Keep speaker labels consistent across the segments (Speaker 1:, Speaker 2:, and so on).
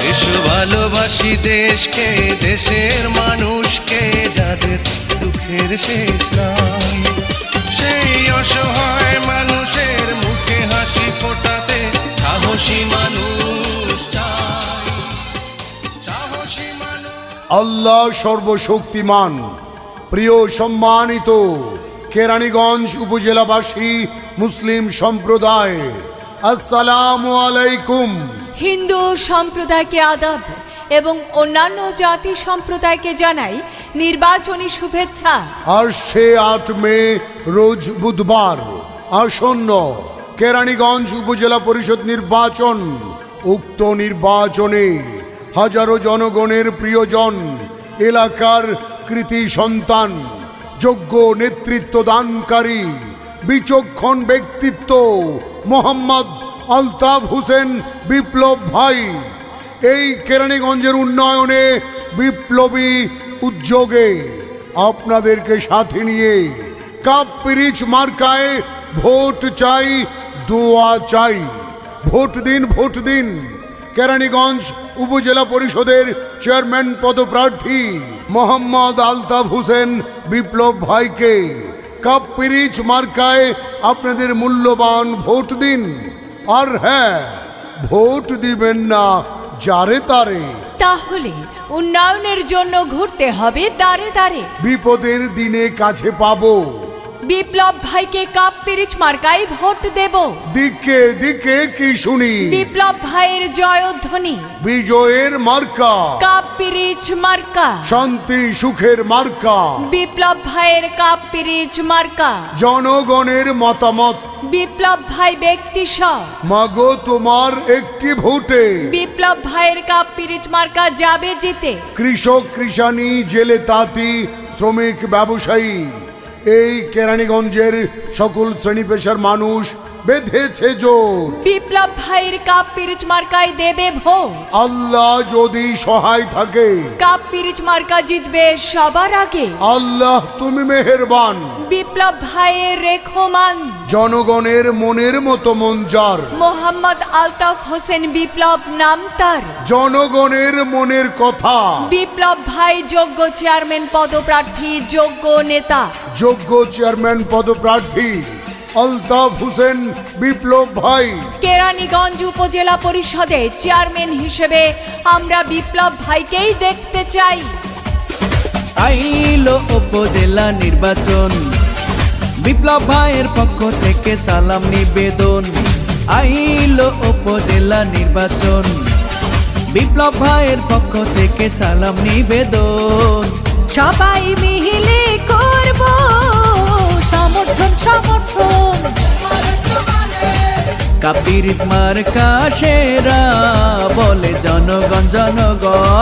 Speaker 1: এসো ভালোবাসি দেশকে, দেশের মানুষকে, যাদের দুঃখের শেষ নাই। সেই অসহায় মানুষের মুখে হাসি ফোটাতে সাহসী মানুষ চাই, সাহসী মানুষ।
Speaker 2: আল্লাহ সর্বশক্তিমান। প্রিয় সম্মানিত কেরানীগঞ্জ উপজেলাবাসী মুসলিম সম্প্রদায়, আসসালামু আলাইকুম।
Speaker 3: হিন্দু সম্প্রদায়কে আদাব এবং অন্যান্য জাতি সম্প্রদায়কে জানাই নির্বাচনী শুভেচ্ছা।
Speaker 2: আসছে 8 মে রোজ বুধবার আসন্ন কেরানীগঞ্জ উপজেলা পরিষদ নির্বাচন। উক্ত নির্বাচনে হাজারো জনগণের প্রিয়জন, এলাকার কৃতি সন্তান, যোগ্য নেতৃত্ব দানকারী বিচক্ষণ ব্যক্তিত্ব মোহাম্মদ আলতাফ হোসেন বিপ্লব ভাই এই কেরানীগঞ্জের উন্নয়নে বিপ্লবী উদ্যোগে আপনাদেরকে সাথে নিয়ে কাপ পিরিচ মার্কায় ভোট চাই, দোয়া চাই। ভোট দিন, ভোট দিন। কেরানীগঞ্জ উপজেলা পরিষদের চেয়ারম্যান পদপ্রার্থী মোহাম্মদ আলতাফ হোসেন বিপ্লব ভাইকে কাপ পিরিচ মার্কায় আপনাদের মূল্যবান ভোট দিন। আর হ্যাঁ, ভোট দিবেন না যারে তারে।
Speaker 3: তাহলে উন্নয়নের জন্য ঘুরতে হবে দাঁড়ে দাঁড়ে।
Speaker 2: বিপদের দিনে কাছে পাবো,
Speaker 3: বিপ্লব ভাইকে কাপ পিরিচ মার্কায় ভোট দেব।
Speaker 2: দিকে দিকে কি শুনি,
Speaker 3: বিপ্লব ভাইয়ের জয়ধ্বনি।
Speaker 2: বিজয়ের মার্কা
Speaker 3: কাপ পিরিচ মার্কা,
Speaker 2: শান্তি সুখের মার্কা।
Speaker 3: বিপ্লব ভাইয়ের কাপ পিরিচ মার্কা।
Speaker 2: জনগণের মতামত
Speaker 3: বিপ্লব ভাই ব্যক্তি সব।
Speaker 2: মাগো তোমার একটি ভোটে
Speaker 3: বিপ্লব ভাইয়ের কাপ পিরিচ মার্কা যাবে জিতে।
Speaker 2: কৃষক, কৃষানি, জেলে তাঁতি, শ্রমিক, ব্যবসায়ী, এই কেরানীগঞ্জের সকল শ্রেণী পেশার মানুষ বেঁধেছে জোর।
Speaker 3: বিপ্লব ভাইয়ের কাপ পিরিচ মার্কায় দেবে ভোট।
Speaker 2: আল্লাহ যদি সহায় থাকে
Speaker 3: কাপ পিরিচ মার্কা জিতবে সবার আগে।
Speaker 2: আল্লাহ তুমি মেহেরবান।
Speaker 3: বিপ্লব ভাইয়ের রেখমান।
Speaker 2: জনগণের মনের মতো মন যার,
Speaker 3: মোহাম্মদ আলতাফ হোসেন বিপ্লব নাম তার।
Speaker 2: জনগণের মনের কথা।
Speaker 3: বিপ্লব ভাই যোগ্য চেয়ারম্যান পদপ্রার্থী, যোগ্য নেতা।
Speaker 2: যোগ্য চেয়ারম্যান পদপ্রার্থী আলতাফ হোসেন বিপ্লব ভাই।
Speaker 3: কেরানীগঞ্জ উপজেলা পরিষদে চেয়ারম্যান হিসেবে আমরা বিপ্লব ভাইকেই দেখতে চাই।
Speaker 4: আইলো উপজেলা নির্বাচন, বিপ্লব ভাইয়ের পক্ষ থেকে সালাম নিবেদন। আইলো উপজেলা নির্বাচন, বিপ্লব ভাইয়ের পক্ষ থেকে সালাম নিবেদন।
Speaker 3: সবাই মিলে করব সমর্থন, সমর্থন।
Speaker 4: কাপ পিরিচ মার্কা সেরা বলে জনগণ, জনগণ।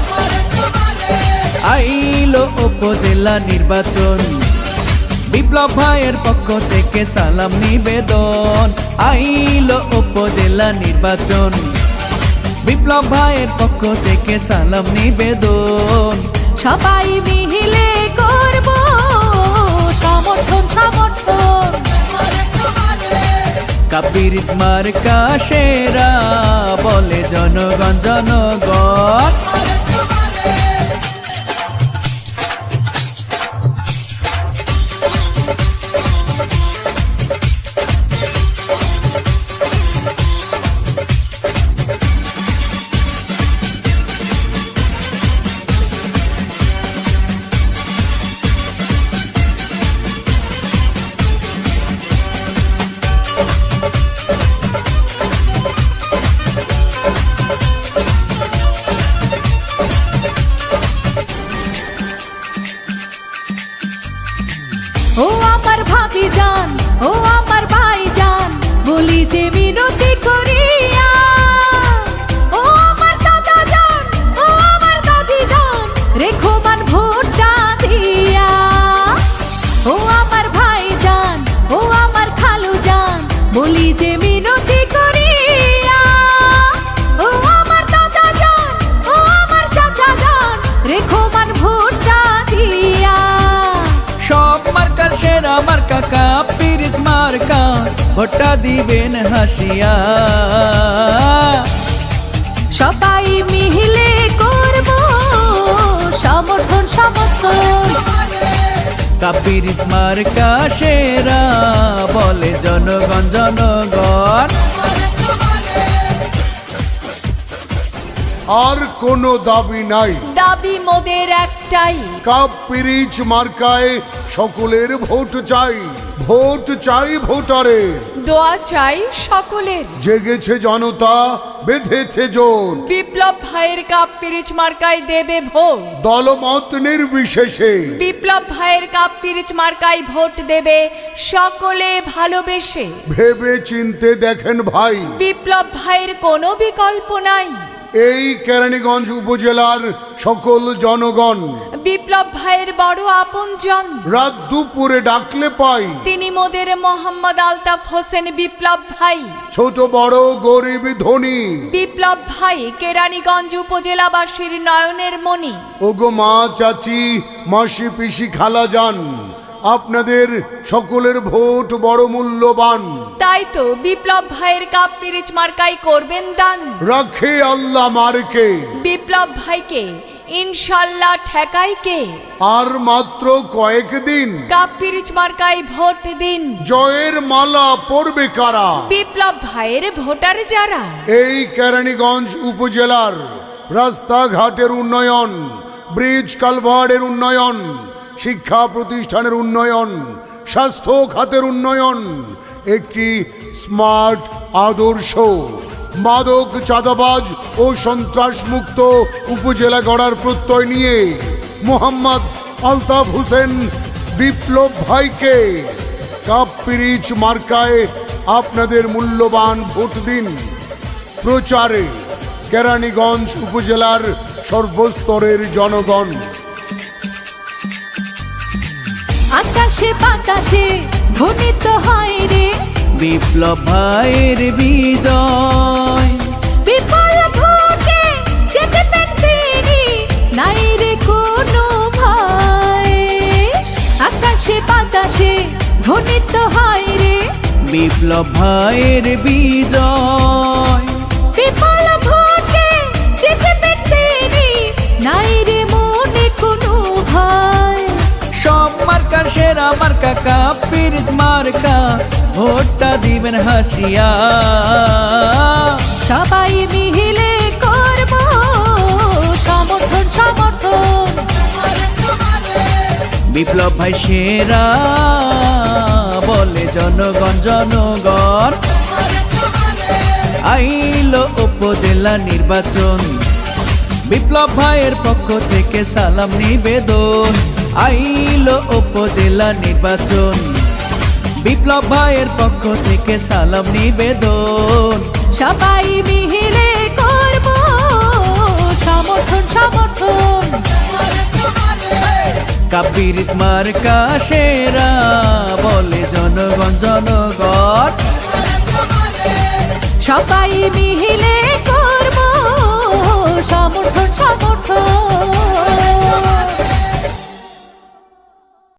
Speaker 4: আইলো উপজেলা নির্বাচন, বিপ্লব ভাইয়ের পক্ষ থেকে সালাম নিবেদন। আইলো উপজেলা নির্বাচন, বিপ্লব ভাইয়ের পক্ষ থেকে সালাম নিবেদন।
Speaker 3: সবাই মিলে করব সমর্থন, সমর্থন।
Speaker 4: কাপ পিরিচ মার্কা সেরা বলে জনগণ, জনগণ।
Speaker 3: ও আমার ভাবি জান, ও আমার ভাই জান, বলি যে মিনতি করিয়া। ও আমার দাদা জান, ও আমার দাদি জান, রেখো মান ভোটটা দিয়া। ও আমার ভাই জান, ও আমার খালু জান, বলি যে মিনতি করিয়া। ও আমার দাদা জান, ও আমার চাচা জান, রেখো মান ভোটটা দিয়া।
Speaker 4: সব মার্কার সেরা মার্কা কাপ পিরিচ মার্কা, ভোটটা দিবেন হাসিয়া।
Speaker 3: সবাই মিলে করব সমর্থন সমর্থন।
Speaker 4: কাপির মার্কা সেরা বলে জনগণ জনগণ।
Speaker 2: আর কোনো দাবি নাই,
Speaker 3: দাবি মোদের একটাই,
Speaker 2: কাপ পিরিচ মার্কায় সকলের ভোট চাই, ভোট চাই ভোটারে।
Speaker 3: দোয়া চাই সকলের,
Speaker 2: জেগেছে জনতা, বেঁধেছে জোর,
Speaker 3: বিপ্লব ভাইয়ের কাপ পিরিচ মার্কায় দেবে ভোট।
Speaker 2: দলমত নির্বিশেষে
Speaker 3: বিপ্লব ভাইয়ের কাপ পিরিচ মার্কায় ভোট দেবে সকলে ভালোবেসে।
Speaker 2: ভেবে চিনতে দেখেন ভাই,
Speaker 3: বিপ্লব ভাইয়ের কোনো বিকল্প নাই।
Speaker 2: এই কেরানীগঞ্জ উপজেলার সকল জনগণ
Speaker 3: বিপ্লব ভাইয়ের বড় আপনজন,
Speaker 2: রাত দুপুরে ডাকলে পাই।
Speaker 3: তিনি মোদের মোহাম্মদ আলতাফ হোসেন বিপ্লব ভাই।
Speaker 2: ছোট বড় গরিব ধনী,
Speaker 3: বিপ্লব ভাই কেরানীগঞ্জ উপজেলাবাসীর নয়নের মণি।
Speaker 2: ওগো মা চাচি মাসি পিসি খালা যান, আপনাদের সকলের ভোট বড় মূল্যবান।
Speaker 3: তাই তো বিপ্লব ভাইয়ের কাপ পিরিচ মার্কাই করবেন দান।
Speaker 2: রাখে আল্লাহ মারকে,
Speaker 3: বিপ্লব ভাইকে ইনশাল্লাহ ঠেকাই কে।
Speaker 2: আর মাত্র কয়েকদিন,
Speaker 3: কাপ পিরিচ মার্কাই ভোট দিন।
Speaker 2: জয়ের মালা পরবে কারা?
Speaker 3: বিপ্লব ভাইয়ের ভোটার যারা।
Speaker 2: এই কেরানীগঞ্জ উপজেলার রাস্তাঘাটের উন্নয়ন, ব্রিজ কালভার্টের উন্নয়ন, শিক্ষা প্রতিষ্ঠানের উন্নয়ন, স্বাস্থ্য খাতের উন্নয়ন, একটি স্মার্ট আদর্শ মাদক চাঁদাবাজ ও সন্ত্রাসমুক্ত উপজেলা গড়ার প্রত্যয় নিয়ে মোহাম্মদ আলতাফ হোসেন বিপ্লব ভাইকে কাপ পিরিচ মার্কায় আপনাদের মূল্যবান ভোট দিন। প্রচারে কেরানীগঞ্জ উপজেলার সর্বস্তরের জনগণ।
Speaker 3: আকাশে বাতাসে ধ্বনিত হয় রে
Speaker 4: বিপ্লব ভাইয়ের বিজয়।
Speaker 3: বিপুল ভোটে জিতবেন তিনি, নাই রে কোনো ভয়। আকাশে বাতাসে ধ্বনিত হয় রে
Speaker 4: বিপ্লব ভাইয়ের বিজয়।
Speaker 3: বিপুল ভোটে জিতবেন তিনি, নাই রে মনে কোনো ভয়।
Speaker 4: সব মার্কার সেরা মার্কা কাপির মার্কা, ভোটটা দিবেন হাসিয়া।
Speaker 3: সবাই মিলে করব সমর্থন সমর্থন।
Speaker 4: বিপ্লব ভাই সেরা বলে জনগণ জনগণ। আইলো উপজেলা নির্বাচন, বিপ্লব ভাইয়ের পক্ষ থেকে সালাম নিবেদন। আইলো উপজেলা নির্বাচন, বিপ্লব ভাইয়ের পক্ষ থেকে সালাম নিবেদন।
Speaker 3: সবাই মিলে করব সমর্থন সমর্থন।
Speaker 4: কাপির মার্কা সেরা বলে জনগণ জনগণ।
Speaker 3: সবাই মিলে